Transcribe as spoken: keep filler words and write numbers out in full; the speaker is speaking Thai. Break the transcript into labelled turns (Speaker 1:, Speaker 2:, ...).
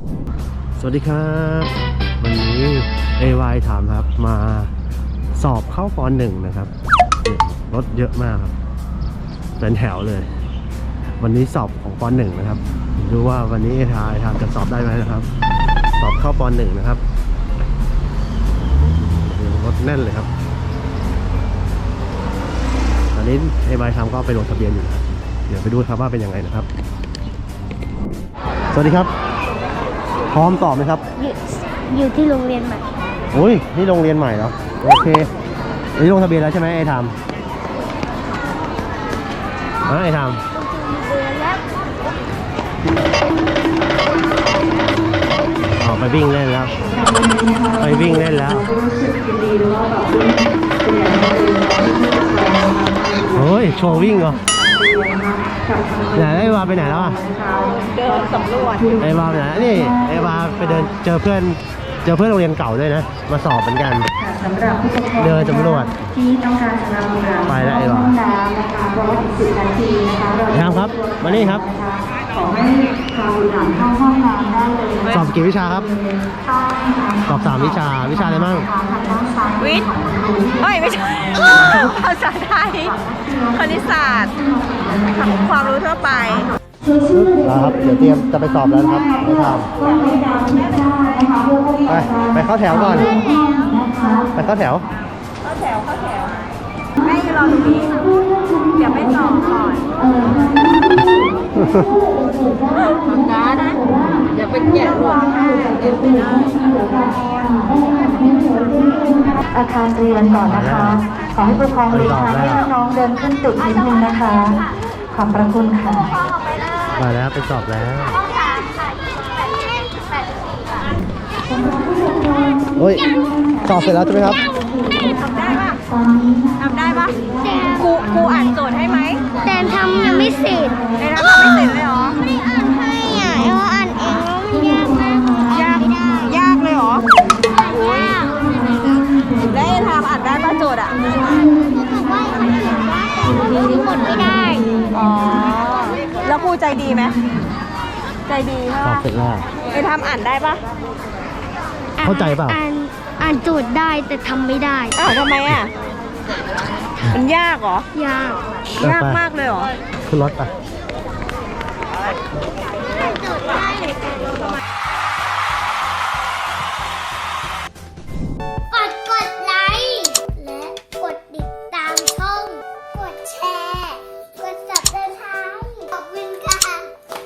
Speaker 1: สวัสดีครับวันนี้ เอ วาย ถามครับมาสอบเข้าป.หนึ่ง นะครับรถเยอะมากครับเป็นแถวเลย วันนี้สอบของป.หนึ่ง นะครับดูว่าวันนี้ เอ ทายถามจะสอบได้ไหมนะครับสอบเข้าป.หนึ่ง นะครับรถแน่นเลยครับตอนนี้ เอ วาย ถามก็ไปลงทะเบียนอยู่นะเดี๋ยวไปดูครับว่าเป็นยังไงนะครับสวัสดีครับพร้อมสอบไหมครับ
Speaker 2: อยู่อยู่ที่โรงเรียนใหม่
Speaker 1: โอ้ยนี่โรงเรียนใหม่เหรอโอเคนี่ลงทะเบียนแล้วใช่ไหมไอ้ทำฮะไอ้ทำอ๋อไปวิ่งเล่นแล้วไปวิ่งเล่นแล้วโอ้ยโชว์วิ่งเหรอไหนไอ้วาไปไหนแล้วอ่ะ
Speaker 2: เดินสำรวจ
Speaker 1: ไอ้วาไปไหนนี่ไอ้วาไปเดินเจอเพื่อนเจอเพื่อนโรงเรียนเก่าด้วยนะมาสอบเหมือนกันเดินสำรวจที่ต้องการสำหรับไปแล้วไอ้วาไอ้ทำครับมานี่ครับ
Speaker 2: ขอให้พาบุตรหลานเข้าห้องน้ำได้เลย
Speaker 1: สอบกี่วิชาครับสอบสามวิชาวิชาอะไรบ้าง
Speaker 2: วิทย์เอ้ยไม่ใช่ภาษาไทยคณิตศาสตร์ความรู้ทั่วไป
Speaker 1: ครับเดี๋ยวเตรียมจะไปสอบแล้วครับไม่ทำไปไปเข้าแถวก่อนไปเข้าแถว
Speaker 2: เข้าแถวเข้าแถวแม่อยู่รอตรงนี้เดี๋ยวไปสอบก่อนการนะเดี๋ยวไปแกะรวมอาคารเรียนก่อนนะคะขอให้ผู้ปกครองเรียนทางให้น้องๆเดินขึ้นตึกนิดนึงนะคะขอบพระคุณค่ะ
Speaker 1: มาแล้วไปสอบแล้วโอ้ยสอบเสร็จแล้วใช่ไหมครับ
Speaker 2: ทำได้ปะทำได้ปะครูครูอ่านโจทย์ให้ไหม
Speaker 3: แต่ทำยังไม่เสร็จ
Speaker 2: แต่ทำไม่เสร็จเลยเหรอ
Speaker 3: ไม่ได้อ่านให้อ่ะเราอ่านเองแล้วมันยากมาก
Speaker 2: ยากยากเลยเหรอย
Speaker 3: าก
Speaker 2: แล้วทำอ่านได้ปะโจทย์อ่ะ
Speaker 3: บอกว่ามันเขียนว่าแต่มันรู้หมดไม่ได้
Speaker 2: อ๋อแล้วครูใจดีไหมใจดี
Speaker 1: สอบเสร็จแล้ว
Speaker 2: ไอ้ทำอ่านได้ปะ
Speaker 1: เข้าใจเปล่า
Speaker 3: อ่านอ่านโจทย์ได้แต่ทำไม่ได้
Speaker 2: อ้าวทำไมอ่ะมันยากเหร
Speaker 3: อยาก
Speaker 2: ยากมากเลยเหรอ
Speaker 1: ขึ้นรถไป